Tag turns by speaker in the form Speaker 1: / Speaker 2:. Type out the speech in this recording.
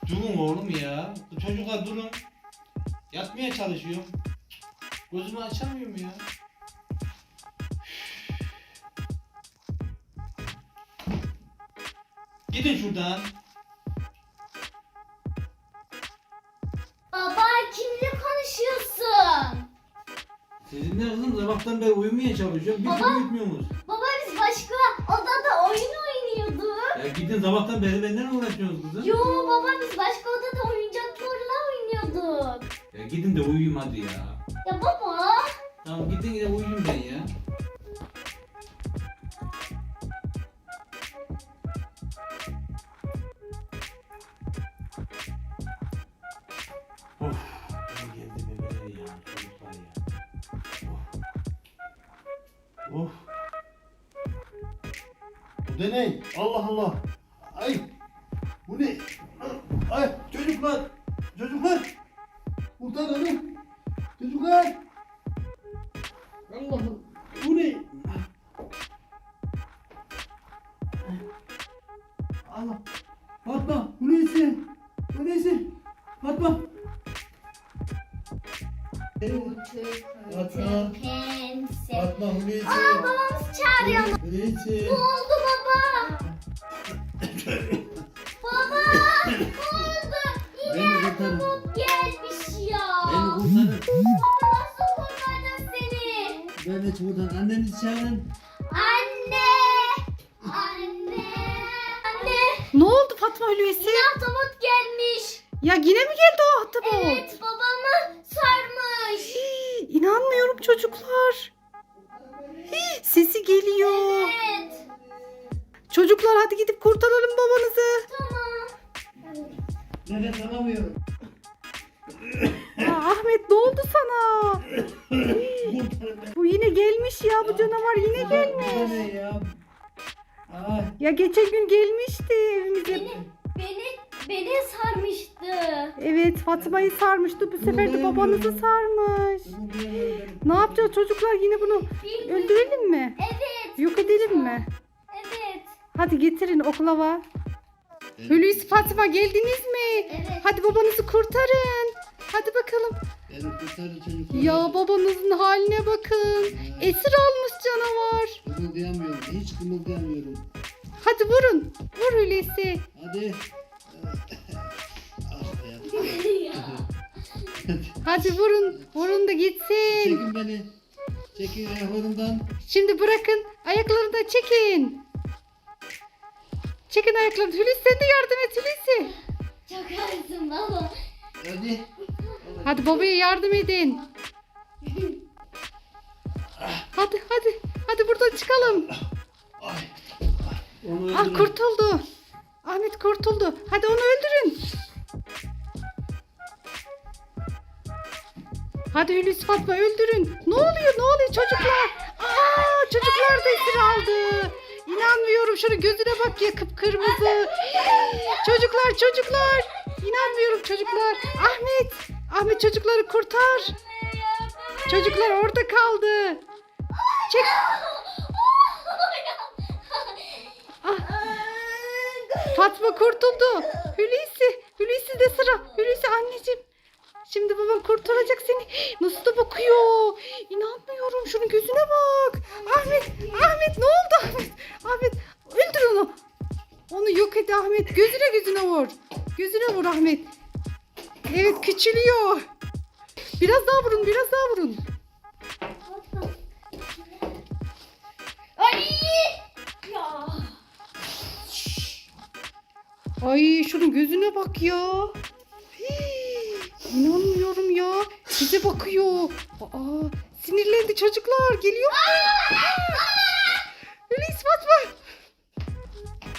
Speaker 1: Durun oğlum ya. Bu çocuklar durun. Yatmaya çalışıyorum. Gözümü açamıyorum ya. Gidin şuradan.
Speaker 2: Baba kimle konuşuyorsun?
Speaker 1: Sizinle kızım sabahtan beri uyumaya çalışıyorum. Bir
Speaker 2: Baba.
Speaker 1: türlü uyutmuyorsunuz.
Speaker 2: Baba biz başka odada oyun oynuyorduk.
Speaker 1: Ya gidin sabahtan beri benden uğraşıyorsunuz kızım.
Speaker 2: Yo baba biz başka odada oyuncaklarla oynuyorduk.
Speaker 1: Ya gidin de uyuyayım hadi ya.
Speaker 2: Ya baba.
Speaker 1: Tamam gidin de uyuyayım ben ya. Of. Ben geldi bebeler ya. Çocuklar ya. Of. Of.
Speaker 3: Bu da ne? Allah Allah. Ay. Bu ne? Ay çocuklar. Çocuklar. Kurtaralım. Çocuklar. Allah'ım. Bu ne? Allah. Fatma. Bu neyse? Bu neyse? Fatma. Fatma.
Speaker 2: Pense.
Speaker 3: Fatma Hulusi.
Speaker 2: Aa babamız çağırıyor.
Speaker 3: Hulusi.
Speaker 2: Ne oldu baba? Baba ne oldu?
Speaker 3: Beni
Speaker 2: Yine
Speaker 3: kurtarın.
Speaker 2: robot gelmiş ya.
Speaker 3: Beni kurtarın.
Speaker 2: Baba nasıl kurtaracağız seni?
Speaker 3: Beni kurtarın. Annenizi çağırın.
Speaker 2: Anne! Anne! Anne!
Speaker 4: Ne oldu Fatma Hulusi?
Speaker 2: Yine ahtapot gelmiş.
Speaker 4: Ya yine mi geldi o ahtapot?
Speaker 2: Evet babamı sarmış.
Speaker 4: Hii, İnanmıyorum çocuklar. Sesi geliyor.
Speaker 2: Evet.
Speaker 4: Çocuklar hadi gidip kurtaralım babanızı.
Speaker 2: Tamam.
Speaker 3: Nefes alamıyorum.
Speaker 4: Aa, Ahmet ne oldu sana? Bu yine gelmiş ya, bu canavar yine
Speaker 3: Bu
Speaker 4: gelmiş.
Speaker 3: ne ya? Ay.
Speaker 4: Ya geçen gün gelmişti evimize.
Speaker 2: Beni sarmıştı.
Speaker 4: Evet, Fatma'yı sarmıştı, bu sefer de babanızı sarmış. Ne yapacağız çocuklar, yine bunu öldürelim mi?
Speaker 2: Evet.
Speaker 4: Yok edelim mi?
Speaker 2: Evet.
Speaker 4: Hadi getirin oklava. Hulusi, Fatma geldiniz mi?
Speaker 2: Evet.
Speaker 4: Hadi babanızı kurtarın. Hadi bakalım.
Speaker 3: Beni kurtarın çocuklar.
Speaker 4: Ya babanızın haline bakın. Esir almış canavar.
Speaker 3: Kımıldayamıyorum. Hiç kımıldayamıyorum.
Speaker 4: Hadi vurun. Vur Hulusi.
Speaker 3: Hadi. Ah ya.
Speaker 4: Hadi vurun. Vurun da gitsin.
Speaker 3: Çekin beni. Çekin ayaklarımdan.
Speaker 4: Şimdi bırakın. Ayaklarını da çekin. Çekin ayaklarını. Hulusi sen de yardım et Hulusi.
Speaker 2: Çok ağırsın baba.
Speaker 3: Hadi.
Speaker 4: Hadi babaya yardım edin. Hadi hadi. Hadi buradan çıkalım.
Speaker 3: Ay. Onu
Speaker 4: Ah,
Speaker 3: öldürün.
Speaker 4: kurtuldu. Ahmet kurtuldu. Hadi onu öldürün. Hadi Hulusi, Fatma öldürün. Ne oluyor? Ne oluyor çocuklar? Aa, çocuklar da esir aldı. İnanmıyorum. Şunun gözüne bak ya, kıpkırmızı. Çocuklar. İnanmıyorum çocuklar. Ahmet çocukları kurtar. Çocuklar orada kaldı. Çek. Ah, Fatma kurtuldu. Hulusi de sıra. Hulusi anneciğim. Şimdi baban kurtaracak seni. Nasıl da bakıyor. İnanmıyorum. Şunun gözüne bak. Ahmet ne oldu Ahmet öldür onu. Onu yok et Ahmet. Gözüne vur. Gözüne vur Ahmet. Evet, küçülüyor. Biraz daha vurun.
Speaker 2: Ay! Ya.
Speaker 4: Ay şunun gözüne bak ya. İnanmıyorum ya. Size bakıyor. Aa, sinirlendi çocuklar. Geliyor. Hulusi, Fatma.